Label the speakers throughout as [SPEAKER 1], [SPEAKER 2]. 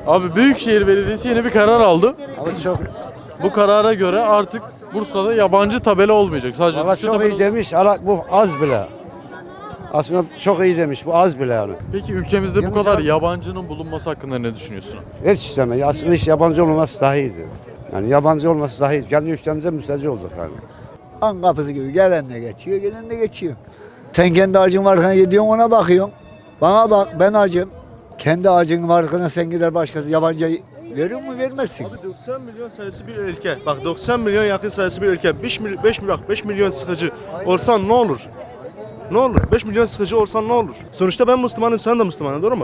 [SPEAKER 1] Abi Büyükşehir Belediyesi yeni bir karar aldı.
[SPEAKER 2] Ama çok,
[SPEAKER 1] Bu karara göre artık Bursa'da yabancı tabela olmayacak. Sadece
[SPEAKER 2] valla
[SPEAKER 1] Türkçe
[SPEAKER 2] çok
[SPEAKER 1] tabela.
[SPEAKER 2] iyi demiş. Bu az bile. Aslında çok iyi demiş. Bu az bile yani.
[SPEAKER 1] Peki ülkemizde bu
[SPEAKER 2] Yanlış
[SPEAKER 1] kadar
[SPEAKER 2] abi.
[SPEAKER 1] yabancının bulunması hakkında ne düşünüyorsun?
[SPEAKER 2] Hiç isteme. Aslında hiç yabancı olmaması daha iyiydi. Yani yabancı olması daha iyi. Kendi ülkemize müsteci olduk yani.
[SPEAKER 3] Han kapısı gibi gelen de geçiyor, gelen de geçiyor. Sen kendi acın varken gidiyorsun ona bakıyorsun. Bana bak ben acım. Kendi acın varken sen gider başkası yabancı veriyor mu vermezsin.
[SPEAKER 4] Abi 90 milyon sayısı bir ülke. Bak 90 milyon yakın sayısı bir ülke. 5 milyon sıkıcı olsan ne olur? Ne olur? 5 milyon sıkıcı olsan ne olur? Sonuçta ben Müslümanım, sen de Müslümanın, doğru mu?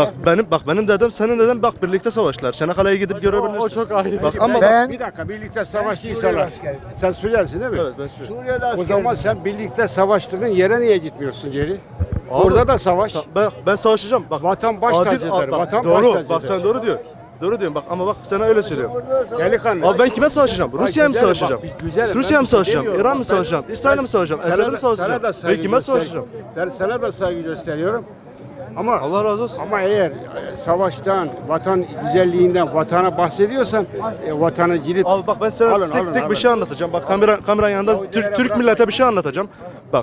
[SPEAKER 4] Bak benim dedem, senin dedem bak birlikte savaştılar. Çanakkale'ye gidip görebilirsin.
[SPEAKER 1] O çok ayrı bir
[SPEAKER 4] Bak
[SPEAKER 1] şey.
[SPEAKER 4] ama
[SPEAKER 3] Ben
[SPEAKER 2] Bir dakika birlikte savaştıysalar.
[SPEAKER 3] Suriye askeri.
[SPEAKER 2] Sen Suriyelisin değil mi?
[SPEAKER 4] evet ben söylüyorum.
[SPEAKER 3] Suriye'de
[SPEAKER 2] O
[SPEAKER 3] asker.
[SPEAKER 2] zaman sen birlikte savaştığın yere niye gitmiyorsun Ceri? Orada da savaş.
[SPEAKER 4] Ben savaşacağım. Bak
[SPEAKER 2] Vatan baş
[SPEAKER 4] adil-
[SPEAKER 2] tacıdır.
[SPEAKER 4] bak,
[SPEAKER 2] Vatan
[SPEAKER 4] doğru.
[SPEAKER 2] baş tacıdır.
[SPEAKER 4] Bak sen doğru diyor. Doğru diyorsun bak ama bak sana öyle söylüyorum.
[SPEAKER 2] Delikanlı.
[SPEAKER 4] Abi ben kime savaşacağım? Rusya'ya mı
[SPEAKER 2] güzelim,
[SPEAKER 4] savaşacağım?
[SPEAKER 2] bak, güzelim. Ben
[SPEAKER 4] Rusya'ya mı
[SPEAKER 2] bir şey
[SPEAKER 4] savaşacağım?
[SPEAKER 2] demiyorum.
[SPEAKER 4] İran mı
[SPEAKER 2] Bak,
[SPEAKER 4] savaşacağım? İsrail'e mi savaşacağım? Esad'e mi savaşacağım? Ben kime savaşacağım?
[SPEAKER 2] Sana da saygı gösteriyorum. Ama
[SPEAKER 4] Allah razı olsun.
[SPEAKER 2] ama eğer savaştan, vatan güzelliğinden, vatana bahsediyorsan vatanı gidip
[SPEAKER 4] Abi bak ben sana
[SPEAKER 2] Alın,
[SPEAKER 4] tek
[SPEAKER 2] alın,
[SPEAKER 4] tek
[SPEAKER 2] alın.
[SPEAKER 4] bir şey anlatacağım. Bak kamera yanında Türk millete bir şey anlatacağım. Bak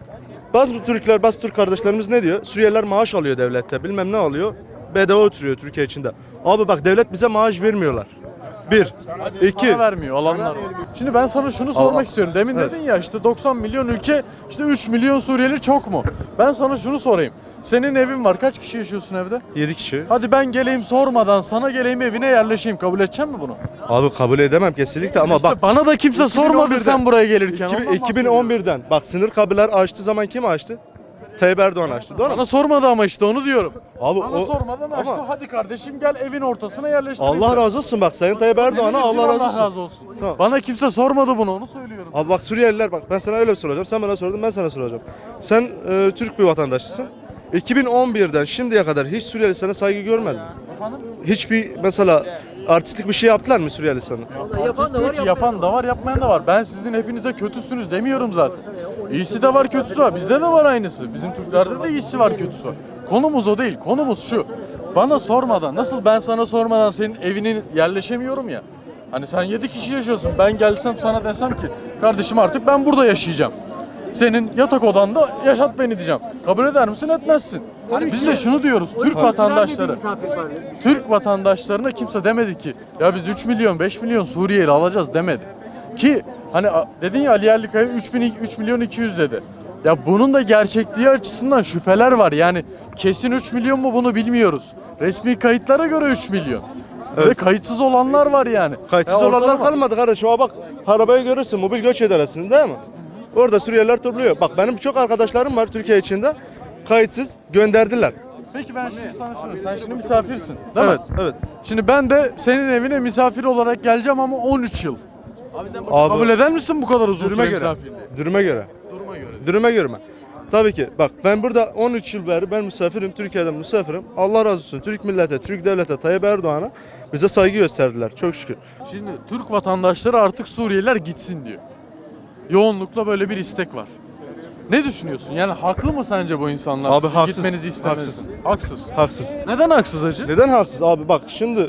[SPEAKER 4] bazı Türkler, bazı Türk kardeşlerimiz ne diyor? Suriyeliler maaş alıyor devlette. Bilmem ne alıyor. Bedava oturuyor Türkiye içinde. Abi bak devlet bize maaş vermiyorlar. Bir. İki.
[SPEAKER 1] Sana vermiyor alanlar var. Şimdi ben sana şunu sormak istiyorum. Demin
[SPEAKER 4] Evet.
[SPEAKER 1] dedin ya işte 90 milyon ülke, işte 3 milyon Suriyeli çok mu? Ben sana şunu sorayım. Senin evin var. Kaç kişi yaşıyorsun evde?
[SPEAKER 4] 7 kişi.
[SPEAKER 1] Hadi ben geleyim sormadan sana geleyim evine yerleşeyim. Kabul edecek mi bunu?
[SPEAKER 4] Abi kabul edemem kesinlikle ama
[SPEAKER 1] İşte
[SPEAKER 4] bak
[SPEAKER 1] bana da kimse sormadı
[SPEAKER 4] 2011'den
[SPEAKER 1] sen buraya gelirken. Ondan bahsediyorum.
[SPEAKER 4] 2011'den bak sınır kapılar açtı zaman kim açtı? Tayyip Erdoğan açtı. Doğru mu?
[SPEAKER 1] Bana sormadı ama işte onu diyorum.
[SPEAKER 4] Abi
[SPEAKER 1] Bana
[SPEAKER 4] o
[SPEAKER 1] sormadan açtı.
[SPEAKER 4] ama
[SPEAKER 1] Hadi kardeşim gel evin ortasına yerleştireyim.
[SPEAKER 4] Allah
[SPEAKER 1] seni.
[SPEAKER 4] razı olsun bak Sayın Tayyip Erdoğan'a
[SPEAKER 1] Senin için
[SPEAKER 4] Allah razı olsun. Tamam.
[SPEAKER 1] Bana kimse sormadı bunu, onu söylüyorum.
[SPEAKER 4] Abi bak Suriyeliler bak ben sana öyle soracağım. Sen bana sordun ben sana soracağım. Sen Türk bir vatandaşısın. 2011'den şimdiye kadar hiç Suriyeli sana saygı görmedi.
[SPEAKER 1] Efendim?
[SPEAKER 4] Hiçbir mesela artistlik bir şey yaptılar mı Suriyeli sana?
[SPEAKER 1] Yapan da var, yapmayan da var. Ben sizin hepinize kötüsünüz demiyorum zaten. İyisi de var, kötüsü var. Bizde de var aynısı. Bizim Türklerde de iyisi var, kötüsü var. Konumuz o değil. Konumuz şu. Bana sormadan, nasıl ben sana sormadan senin evine yerleşemiyorum ya. Hani sen 7 kişi yaşıyorsun. Ben gelsem sana desem ki kardeşim artık ben burada yaşayacağım. Senin yatak odanda yaşat beni diyeceğim. Kabul eder misin, etmezsin. Biz de şunu diyoruz. Türk vatandaşları. Türk vatandaşlarına kimse demedi ki ya biz 3 milyon 5 milyon Suriyeli alacağız demedi. Ki hani dedin ya Ali Yerlikaya 3 milyon 200 dedi. Ya bunun da gerçekliği açısından şüpheler var. Yani kesin 3 milyon mu bunu bilmiyoruz. Resmi kayıtlara göre 3 milyon. Ve
[SPEAKER 4] Evet.
[SPEAKER 1] kayıtsız olanlar var yani.
[SPEAKER 4] Kayıtsız
[SPEAKER 1] Ya
[SPEAKER 4] olanlar
[SPEAKER 1] ortalama.
[SPEAKER 4] kalmadı kardeşim. Ama bak arabayı görürsün mobil göç idaresinde değil mi? Orada Suriyeliler topluyor. Bak benim çok arkadaşlarım var Türkiye içinde. Kayıtsız gönderdiler.
[SPEAKER 1] Peki ben şimdi sana şunu, sen şimdi misafirsin değil
[SPEAKER 4] Evet,
[SPEAKER 1] mi?
[SPEAKER 4] evet.
[SPEAKER 1] Şimdi ben de senin evine misafir olarak geleceğim ama 13 yıl.
[SPEAKER 4] Abi,
[SPEAKER 1] Kabul eder misin bu kadar uzun
[SPEAKER 4] Duruma
[SPEAKER 1] süre
[SPEAKER 4] göre.
[SPEAKER 1] misafirliği?
[SPEAKER 4] Duruma göre.
[SPEAKER 1] Duruma göre.
[SPEAKER 4] Duruma göre mi? Tabii ki. Bak ben burada 13 yıl beri ben misafirim. Türkiye'den misafirim. Allah razı olsun. Türk millete, Türk devlete, Tayyip Erdoğan'a bize saygı gösterdiler. Çok şükür.
[SPEAKER 1] Şimdi Türk vatandaşları artık Suriyeliler gitsin diyor. Yoğunlukla böyle bir istek var. Ne düşünüyorsun? Yani haklı mı sence bu insanlar?
[SPEAKER 4] Abi
[SPEAKER 1] Sizin
[SPEAKER 4] haksız,
[SPEAKER 1] gitmenizi istemez. Haksız.
[SPEAKER 4] Haksız.
[SPEAKER 1] Neden haksız hacı?
[SPEAKER 4] Neden haksız abi? Bak şimdi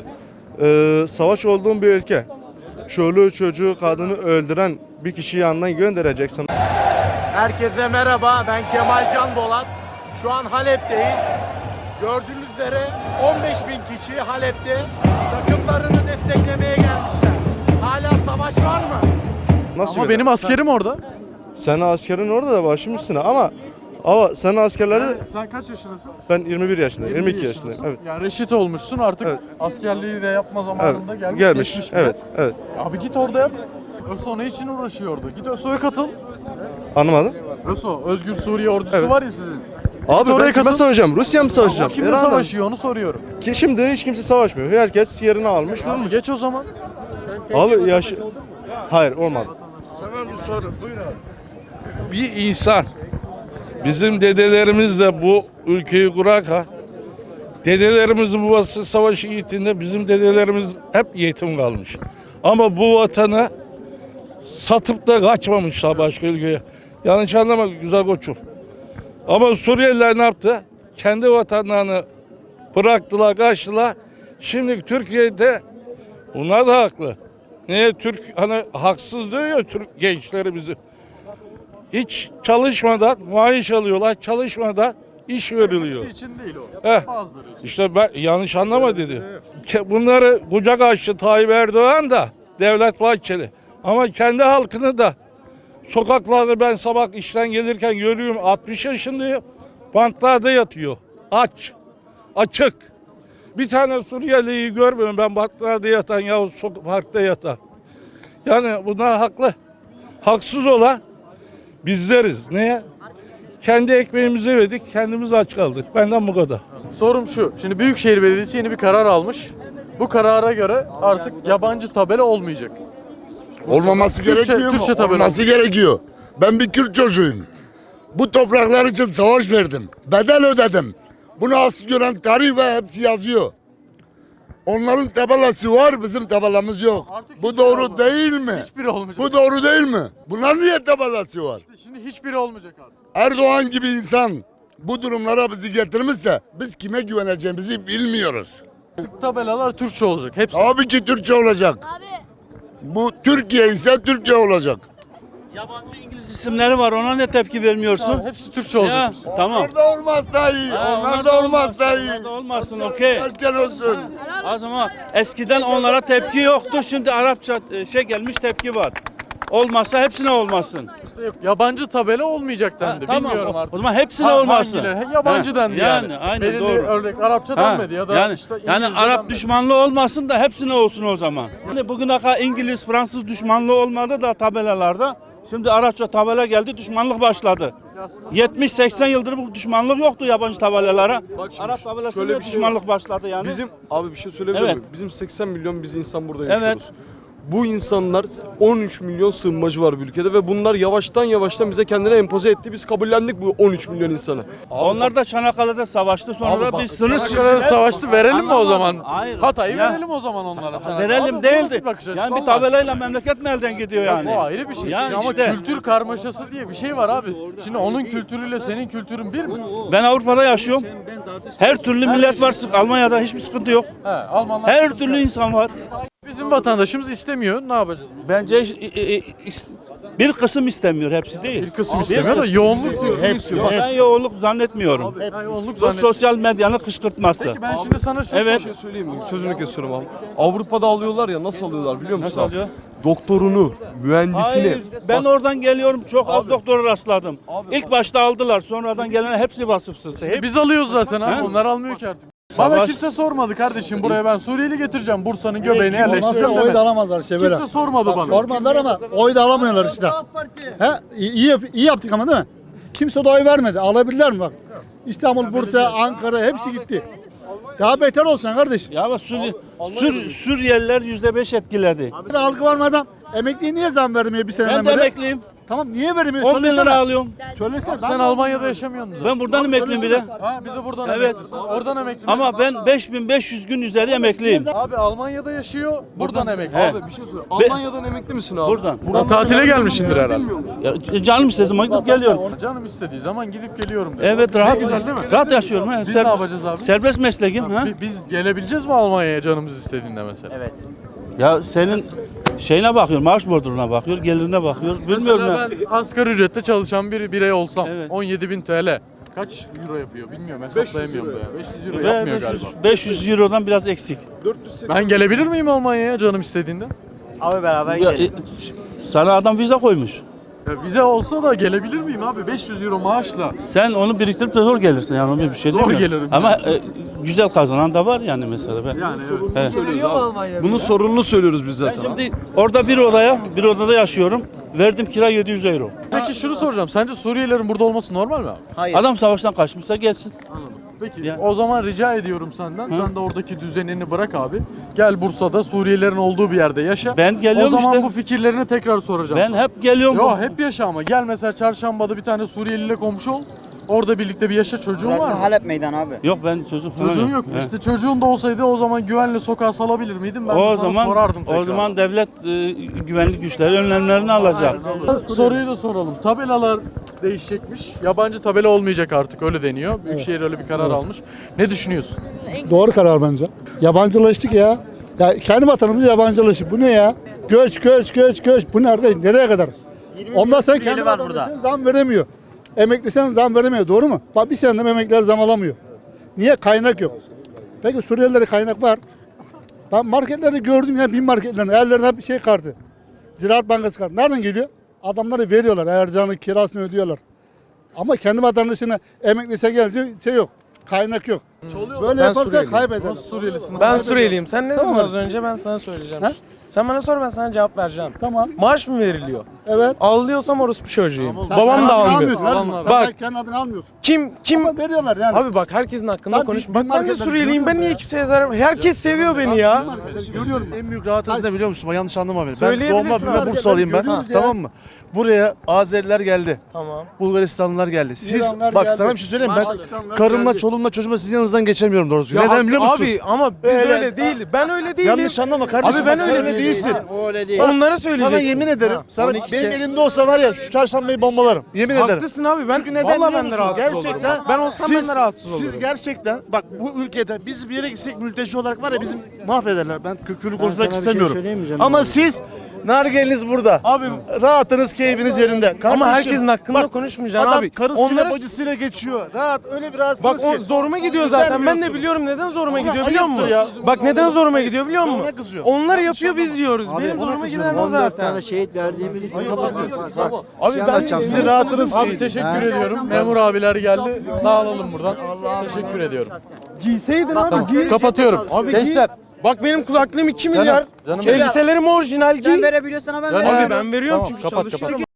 [SPEAKER 4] savaş olduğum bir ülke. Çoluğu, çocuğu, kadını öldüren bir kişiyi yanından göndereceksin.
[SPEAKER 5] Herkese merhaba, ben Kemal Can Bolat. Şu an Halep'teyiz. Gördüğünüz üzere 15 bin kişi Halep'te takımlarını desteklemeye gelmişler. Hala savaş var mı?
[SPEAKER 4] Nasıl
[SPEAKER 1] Ama
[SPEAKER 4] gönder-
[SPEAKER 1] benim askerim orada.
[SPEAKER 4] Senin askerin orada da başım üstüne ama senin askerleri
[SPEAKER 1] Sen kaç yaşındasın?
[SPEAKER 4] ben 21 yaşındayım, 22
[SPEAKER 1] yaşındasın.
[SPEAKER 4] yaşındayım. Evet.
[SPEAKER 1] Yani reşit olmuşsun artık
[SPEAKER 4] Evet.
[SPEAKER 1] askerliği de yapma zamanında
[SPEAKER 4] Evet.
[SPEAKER 1] gelmiş.
[SPEAKER 4] Gelmiş.
[SPEAKER 1] bile.
[SPEAKER 4] Evet, evet.
[SPEAKER 1] Abi git orada yap. ÖSO ne için uğraşıyordu? Git ÖSO'ya katıl.
[SPEAKER 4] Anlamadım.
[SPEAKER 1] ÖSO, Özgür Suriye Ordusu
[SPEAKER 4] Evet.
[SPEAKER 1] var ya sizin.
[SPEAKER 4] Abi
[SPEAKER 1] oraya
[SPEAKER 4] ben kime
[SPEAKER 1] katıl.
[SPEAKER 4] savaşacağım? Rusya mı
[SPEAKER 1] O
[SPEAKER 4] savaşacağım?
[SPEAKER 1] kimle
[SPEAKER 4] İran'la mı?
[SPEAKER 1] savaşıyor onu soruyorum.
[SPEAKER 4] Ki şimdi hiç kimse savaşmıyor. Herkes yerini almış.
[SPEAKER 1] Abi geç o zaman.
[SPEAKER 4] Abi yaş... Hayır olmadı.
[SPEAKER 6] Sana bir soru. Buyur abi. Bir insan bizim dedelerimiz de bu ülkeyi kurarken dedelerimiz bu savaşı gittiğinde bizim dedelerimiz hep yetim kalmış. Ama bu vatanı satıp da kaçmamışlar başka ülkeye. Yanlış anlama güzel koçum. Ama Suriyeliler ne yaptı? Kendi vatanlarını bıraktılar, kaçtılar. Şimdi Türkiye'de bunlar da haklı. Niye Türk hani haksız diyor ya Türk gençleri bizi. Hiç çalışmadan maaş alıyorlar, çalışmadan iş veriliyor.
[SPEAKER 1] Hepsi için değil o.
[SPEAKER 6] Heh.
[SPEAKER 1] Bazıları için.
[SPEAKER 6] İşte ben yanlış anlama dedi. Bunları kucak açtı Tayyip Erdoğan da Devlet Bahçeli. Ama kendi halkını da sokaklarda ben sabah işten gelirken görüyorum 60 yaşındayım. Bantlarda yatıyor. Aç. Açık. Bir tane Suriyeli'yi görmüyorum ben bantlarda yatan yahut parkta yatan. Yani bunlar haklı. Haksız olan bizleriz. Niye? Kendi ekmeğimizi yedik, kendimiz aç kaldık. Benden bu kadar.
[SPEAKER 1] Sorum şu. Şimdi Büyükşehir Belediyesi yeni bir karar almış. Bu karara göre artık yabancı tabela olmayacak.
[SPEAKER 7] Olmaması
[SPEAKER 1] Türkçe-
[SPEAKER 7] gerekmiyor mu?
[SPEAKER 1] Türkçe tabela.
[SPEAKER 7] Olması gerekiyor. Ben bir Kürt çocuğuyum. Bu topraklar için savaş verdim. Bedel ödedim. Bunu asıl gören tarih ve hepsi yazıyor. Onların tabelası var, bizim tabelamız yok.
[SPEAKER 1] Artık
[SPEAKER 7] Bu
[SPEAKER 1] hiçbiri
[SPEAKER 7] doğru
[SPEAKER 1] olmaz.
[SPEAKER 7] değil mi?
[SPEAKER 1] Hiçbiri olmayacak.
[SPEAKER 7] Bu doğru değil mi? Bunlar niye tabelası var?
[SPEAKER 1] Şimdi hiçbiri olmayacak artık.
[SPEAKER 7] Erdoğan gibi insan bu durumlara bizi getirmişse biz kime güveneceğimizi bilmiyoruz.
[SPEAKER 1] Artık tabelalar Türkçe olacak. Hepsi.
[SPEAKER 7] Tabii ki Türkçe olacak. Bu Türkiye ise Türkiye olacak.
[SPEAKER 8] Yabancı İngiliz isimleri var, ona ne tepki vermiyorsun?
[SPEAKER 1] Hepsi Türkçe olacak.
[SPEAKER 8] Ya, tamam.
[SPEAKER 7] Onlar da olmazsa iyi.
[SPEAKER 8] Ha,
[SPEAKER 7] Onlar da olmazsa iyi.
[SPEAKER 8] Onlar da olmasın, okey.
[SPEAKER 7] Erken olsun.
[SPEAKER 8] O zaman eskiden onlara tepki yoktu, şimdi Arapça gelmiş tepki var. Olmazsa hepsine olmasın.
[SPEAKER 1] İşte yok. Yabancı tabela olmayacak dendi.
[SPEAKER 8] Tamam,
[SPEAKER 1] Bilmiyorum
[SPEAKER 8] o
[SPEAKER 1] artık.
[SPEAKER 8] zaman hepsine olmasın.
[SPEAKER 1] Hangileri? Yabancı
[SPEAKER 8] Ha,
[SPEAKER 1] dendi yani.
[SPEAKER 8] aynen
[SPEAKER 1] Belirli
[SPEAKER 8] doğru.
[SPEAKER 1] örnek Arapça
[SPEAKER 8] Ha,
[SPEAKER 1] denmedi ya da
[SPEAKER 8] yani,
[SPEAKER 1] işte
[SPEAKER 8] yani
[SPEAKER 1] İngilizce
[SPEAKER 8] Arap
[SPEAKER 1] denmedi.
[SPEAKER 8] düşmanlığı olmasın da hepsine olsun o zaman. Yani bugüne kadar İngiliz, Fransız düşmanlığı olmadı da tabelalarda. Şimdi Arapça tabela geldi, düşmanlık başladı. 70-80 yıldır bu düşmanlık yoktu yabancı tabelalara. Arap tabelasında
[SPEAKER 9] şöyle bir şey
[SPEAKER 8] düşmanlık başladı yani.
[SPEAKER 9] Bizim abi bir şey söyleyebilir
[SPEAKER 8] Evet.
[SPEAKER 9] miyim? Bizim 80 milyon biz insan burada
[SPEAKER 8] Evet.
[SPEAKER 9] yaşıyoruz. Bu insanlar 13 milyon sığınmacı var bu ülkede ve bunlar yavaştan bize kendine empoze etti. Biz kabullendik bu 13 milyon insanı.
[SPEAKER 8] Onlar da Çanakkale'de savaştı, sonra da bir sınır
[SPEAKER 1] Çanakkale'de savaştı verelim mi o zaman?
[SPEAKER 8] Hayır.
[SPEAKER 1] Hatay'ı
[SPEAKER 8] Ya.
[SPEAKER 1] verelim o zaman onlara. Çanakkale.
[SPEAKER 8] Verelim
[SPEAKER 1] Abi bu
[SPEAKER 8] değildi.
[SPEAKER 1] nasıl bir bakış açısı
[SPEAKER 8] Yani bir
[SPEAKER 1] Allah
[SPEAKER 8] tabelayla memleket mi elden gidiyor yani?
[SPEAKER 1] Bu ayrı bir şey.
[SPEAKER 8] Yani
[SPEAKER 1] Ama
[SPEAKER 8] işte.
[SPEAKER 1] kültür karmaşası diye bir şey var abi. Şimdi onun kültürüyle senin kültürün bir mi?
[SPEAKER 8] Ben Avrupa'da yaşıyorum. Her türlü millet var. Almanya'da hiçbir sıkıntı yok.
[SPEAKER 1] He, Almanlar.
[SPEAKER 8] Her türlü insan var.
[SPEAKER 1] Bizim vatandaşımız istemiyor. Ne yapacağız?
[SPEAKER 8] Bence bir kısım istemiyor, hepsi değil.
[SPEAKER 1] Bir kısım istemiyor da yoğunluk istiyor.
[SPEAKER 8] Ben yoğunluk zannetmiyorum.
[SPEAKER 1] Ben yoğunluk
[SPEAKER 8] Bu
[SPEAKER 1] zannediyorum.
[SPEAKER 8] sosyal medyanın kışkırtması.
[SPEAKER 1] Peki ben şimdi sana şunu
[SPEAKER 8] Evet.
[SPEAKER 9] Bir şey söyleyeyim mi? Sözünü kesiyorum abi. Avrupa'da alıyorlar ya, nasıl alıyorlar biliyor musun
[SPEAKER 8] Nasıl
[SPEAKER 9] abi?
[SPEAKER 8] alıyor?
[SPEAKER 9] Doktorunu, mühendisini.
[SPEAKER 8] Hayır, ben oradan geliyorum, çok az doktora rastladım. İlk başta aldılar, sonradan gelen hepsi vasıfsızdı. Hep
[SPEAKER 1] Biz alıyoruz zaten abi.
[SPEAKER 8] He?
[SPEAKER 1] Onlar almıyor ki artık. Bana
[SPEAKER 8] Savaş-
[SPEAKER 1] kimse sormadı kardeşim, buraya ben Suriyeli getireceğim. Bursa'nın göbeğine
[SPEAKER 10] Olmazsa
[SPEAKER 1] yerleştirelim
[SPEAKER 10] oy da
[SPEAKER 1] demedi.
[SPEAKER 10] alamazlar işte böyle.
[SPEAKER 1] Kimse sormadı bana.
[SPEAKER 10] Sormadılar ama oy da alamıyorlar işte. He? İyi yaptık ama değil mi? Kimse de oy vermedi. Alabilirler mi bak? İstanbul, Bursa, Ankara hepsi gitti. Daha beter olsun kardeş.
[SPEAKER 8] ya ama Suriyeliler %5 etkiledi.
[SPEAKER 10] Bir de algı var mı adam? Emekliye niye zam vermiyor bir seneden
[SPEAKER 8] Ben de
[SPEAKER 10] beri?
[SPEAKER 8] emekliyim.
[SPEAKER 10] Tamam niye vermiyor?
[SPEAKER 8] 10 bin lira
[SPEAKER 10] Söylesene.
[SPEAKER 8] alıyorum.
[SPEAKER 10] Söylesene.
[SPEAKER 1] Sen Almanya'da yaşamıyorsun zaten.
[SPEAKER 8] Ben buradan emekliyim bir de.
[SPEAKER 1] Ha bir de buradan
[SPEAKER 8] Evet.
[SPEAKER 1] emeklisin. Oradan emeklisin.
[SPEAKER 8] Ama ben 5500 gün üzeri emekliyim.
[SPEAKER 1] Abi Almanya'da yaşıyor, buradan emekli.
[SPEAKER 8] He.
[SPEAKER 9] Abi bir şey söyle. Almanya'dan emekli misin abi?
[SPEAKER 8] Buradan.
[SPEAKER 1] Buradan tatile gelmişsindir herhalde.
[SPEAKER 9] Bilmiyor musun?
[SPEAKER 8] Ya, canım istediği zaman gidip geliyorum.
[SPEAKER 1] Canım istediği zaman gidip geliyorum dedi.
[SPEAKER 8] Evet
[SPEAKER 1] Ne
[SPEAKER 8] rahat.
[SPEAKER 1] güzel değil mi?
[SPEAKER 8] Rahat yaşıyorum. He.
[SPEAKER 1] Biz ne yapacağız abi?
[SPEAKER 8] Serbest mesleğim. Ha?
[SPEAKER 1] Biz gelebileceğiz mi Almanya'ya canımız istediğinde mesela?
[SPEAKER 8] Evet. Ya senin şeyine bakıyor, maaş borduruna bakıyor, gelirine bakıyor. Bilmiyorum
[SPEAKER 1] Mesela
[SPEAKER 8] ya.
[SPEAKER 1] ben asgari ücrette çalışan bir birey olsam
[SPEAKER 8] Evet.
[SPEAKER 1] 17.000 TL kaç euro yapıyor bilmiyorum hesaplayamıyorum da ya. 500 euro
[SPEAKER 8] Ve
[SPEAKER 1] yapmıyor galiba.
[SPEAKER 8] 500 eurodan biraz eksik.
[SPEAKER 9] 480
[SPEAKER 1] Ben gelebilir miyim Almanya'ya canım istediğinde?
[SPEAKER 8] Ya, sana adam vize koymuş.
[SPEAKER 1] Ya vize olsa da gelebilir miyim abi 500 euro maaşla?
[SPEAKER 8] Sen onu biriktirip de zor gelirsin yani ona bir şey
[SPEAKER 1] Zor
[SPEAKER 8] demiyorum.
[SPEAKER 1] gelirim
[SPEAKER 8] Ama güzel kazanan da var yani mesela. Ben.
[SPEAKER 1] Yani evet.
[SPEAKER 8] Evet.
[SPEAKER 9] söylüyoruz abi. Bunun sorununu söylüyoruz biz zaten. abi.
[SPEAKER 8] Şimdi orada bir odada yaşıyorum. Verdim kira 700 euro.
[SPEAKER 1] Peki şunu soracağım. Sence Suriyelilerin burada olması normal mi abi?
[SPEAKER 8] Adam savaştan kaçmışsa gelsin.
[SPEAKER 1] Anladım. Peki
[SPEAKER 8] Ya.
[SPEAKER 1] o zaman rica ediyorum senden. Sen de oradaki düzenini bırak abi. Gel Bursa'da Suriyelilerin olduğu bir yerde yaşa.
[SPEAKER 8] Ben geliyorum
[SPEAKER 1] O zaman
[SPEAKER 8] işte.
[SPEAKER 1] bu fikirlerini tekrar soracağım
[SPEAKER 8] Ben
[SPEAKER 1] sana.
[SPEAKER 8] hep geliyorum.
[SPEAKER 1] Yo hep yaşa ama. Gel mesela çarşambada bir tane Suriyeliyle komşu ol. Orada birlikte bir yaşa, çocuğun var mı?
[SPEAKER 11] Halep meydan abi.
[SPEAKER 8] Yok ben çocuk falan
[SPEAKER 1] Çocuğun yok mu?
[SPEAKER 8] He.
[SPEAKER 1] İşte çocuğun da olsaydı o zaman güvenle sokağa salabilir miydin? Ben de
[SPEAKER 8] O
[SPEAKER 1] sana
[SPEAKER 8] zaman
[SPEAKER 1] sorardım tekrar.
[SPEAKER 8] o zaman devlet güvenlik güçleri önlemlerini alacak.
[SPEAKER 1] Soruyu da soralım. Tabelalar değişecekmiş. Yabancı tabela olmayacak artık, öyle deniyor. Büyükşehir öyle bir karar almış. Ne düşünüyorsun?
[SPEAKER 10] Doğru karar bence. Yabancılaştık ya. Ya kendi vatanımız yabancılaşık. Bu ne ya? Göç. Bu nerede? Nereye kadar? Ondan sen kendi vatandaşına zam veremiyor. Emeklisen zam veremiyor. Doğru mu? Bak bir senede emekliler zam alamıyor. Niye? Kaynak yok. Peki Suriyelilere kaynak var. Ben marketlerde gördüm ya, bin marketlerin ellerinde hep bir şey kartı. Ziraat Bankası kartı. Nereden geliyor? Adamları veriyorlar. Ercan'ın kirasını ödüyorlar. Ama kendi vatandaşına emeklise gelince şey yok. Kaynak yok. Böyle yaparsa kaybeder.
[SPEAKER 1] Nasıl Suriyelisin?
[SPEAKER 11] Ben Suriyeliyim. Sen ne dedin
[SPEAKER 10] Tamam.
[SPEAKER 11] az önce? Ben sana söyleyeceğim.
[SPEAKER 10] He?
[SPEAKER 11] Sen bana sor, ben sana cevap vereceğim.
[SPEAKER 10] Tamam.
[SPEAKER 11] Maaş mı veriliyor?
[SPEAKER 10] Evet.
[SPEAKER 11] Ağlıyorsam orospu çocuğuyum.
[SPEAKER 10] Sen
[SPEAKER 11] Babam
[SPEAKER 10] kendi
[SPEAKER 11] da
[SPEAKER 10] adını
[SPEAKER 11] almıyor.
[SPEAKER 10] almıyorsun,
[SPEAKER 1] Babamlar.
[SPEAKER 10] Sen
[SPEAKER 11] Bak.
[SPEAKER 10] kendi adını almıyorsun.
[SPEAKER 11] Kim?
[SPEAKER 10] Ama veriyorlar yani.
[SPEAKER 11] Abi bak, herkesin hakkında
[SPEAKER 10] Ben
[SPEAKER 11] konuş.
[SPEAKER 10] bir
[SPEAKER 11] Bak ben de
[SPEAKER 10] marketten
[SPEAKER 11] Suriyeliyim. Ben
[SPEAKER 10] görüyorum
[SPEAKER 11] niye
[SPEAKER 10] ya.
[SPEAKER 11] kimseye zarar... Herkes seviyor beni ya.
[SPEAKER 10] Görüyorum.
[SPEAKER 4] En büyük rahatınız ne biliyor musun? Yanlış anlama beni. Ben
[SPEAKER 11] Söyleyebilirsin
[SPEAKER 4] doğma büyüme
[SPEAKER 11] abi.
[SPEAKER 4] Bursalıyım ben.
[SPEAKER 10] Görüyoruz ya.
[SPEAKER 4] Tamam mı? Buraya Azeriler geldi.
[SPEAKER 11] Tamam.
[SPEAKER 4] Bulgaristanlılar geldi. Siz
[SPEAKER 10] İranlar
[SPEAKER 4] bak
[SPEAKER 10] geldi.
[SPEAKER 4] sana bir şey söyleyeyim mi?
[SPEAKER 10] Pakistanlar
[SPEAKER 4] Ben karımla,
[SPEAKER 10] geldi.
[SPEAKER 4] çoluğumla, çocuğumla sizin yanınızdan geçemiyorum doğrusu.
[SPEAKER 11] Ya
[SPEAKER 4] Neden biliyor musunuz?
[SPEAKER 11] Abi ama biz
[SPEAKER 4] Öyle-
[SPEAKER 11] öyle değil. Ben öyle değilim.
[SPEAKER 4] Yanlış anlama kardeşim.
[SPEAKER 11] Abi ben
[SPEAKER 4] bak sen
[SPEAKER 11] öyle
[SPEAKER 4] değilsin.
[SPEAKER 5] O öyle değil.
[SPEAKER 11] Onlara söyleyecektim.
[SPEAKER 4] Sana yemin ederim. Sana benim elimde olsa var ya şu çarşambayı bombalarım. Yemin ederim.
[SPEAKER 11] Haklısın abi. Ben
[SPEAKER 4] Çünkü neden
[SPEAKER 11] vallahi
[SPEAKER 4] biliyor
[SPEAKER 11] ben de
[SPEAKER 4] musun?
[SPEAKER 11] rahatsız
[SPEAKER 4] Gerçekten
[SPEAKER 11] olurum. Ben olsam ben de rahatsız olurum.
[SPEAKER 4] Siz gerçekten bak bu ülkede biz bir yere gitsek mülteci olarak var ya bizim mahvederler. Ben kökülü konuşmak istemiyorum. Ama siz nargeliniz burada.
[SPEAKER 11] Abi
[SPEAKER 4] Rahatınız, keyfiniz yerinde.
[SPEAKER 11] ama
[SPEAKER 4] Kardeşim,
[SPEAKER 11] herkesin hakkında
[SPEAKER 4] bak,
[SPEAKER 11] konuşmayacaksın
[SPEAKER 4] adam
[SPEAKER 11] abi.
[SPEAKER 4] karısıyla
[SPEAKER 11] Onlara
[SPEAKER 4] bacısıyla geçiyor. Rahat öyle bir
[SPEAKER 11] bak
[SPEAKER 4] rahatsınız
[SPEAKER 11] o
[SPEAKER 4] ki.
[SPEAKER 11] zoruma gidiyor zaten. Ben de
[SPEAKER 4] Düzenliyorsunuz.
[SPEAKER 11] biliyorum neden zoruma
[SPEAKER 4] Ama
[SPEAKER 11] gidiyor biliyor musun?
[SPEAKER 4] ayıptır ya.
[SPEAKER 11] Bak neden zoruma gidiyor biliyor musun?
[SPEAKER 4] Ona kızıyor.
[SPEAKER 11] Onlar yapıyor, biz diyoruz. Benim zoruma giden o zaten.
[SPEAKER 3] şehit verdiğimiz için
[SPEAKER 11] Abi ben
[SPEAKER 4] Sizin rahatınız
[SPEAKER 1] Abi
[SPEAKER 4] iyi.
[SPEAKER 1] teşekkür ediyorum. Memur abiler geldi. Dağılalım buradan. Teşekkür ediyorum.
[SPEAKER 11] Giyseydin abi.
[SPEAKER 1] Tamam,
[SPEAKER 11] giy.
[SPEAKER 1] kapatıyorum.
[SPEAKER 11] Abi
[SPEAKER 1] Gençler.
[SPEAKER 11] Bak benim kulaklığım 2 milyar.
[SPEAKER 1] Canım benim.
[SPEAKER 11] Elbiselerim orijinal giy.
[SPEAKER 12] Sen verebiliyorsan ben
[SPEAKER 1] Canım
[SPEAKER 11] Abi
[SPEAKER 1] benim.
[SPEAKER 11] ben veriyorum
[SPEAKER 1] Tamam,
[SPEAKER 11] çünkü
[SPEAKER 1] kapat,
[SPEAKER 11] çalışıyorum.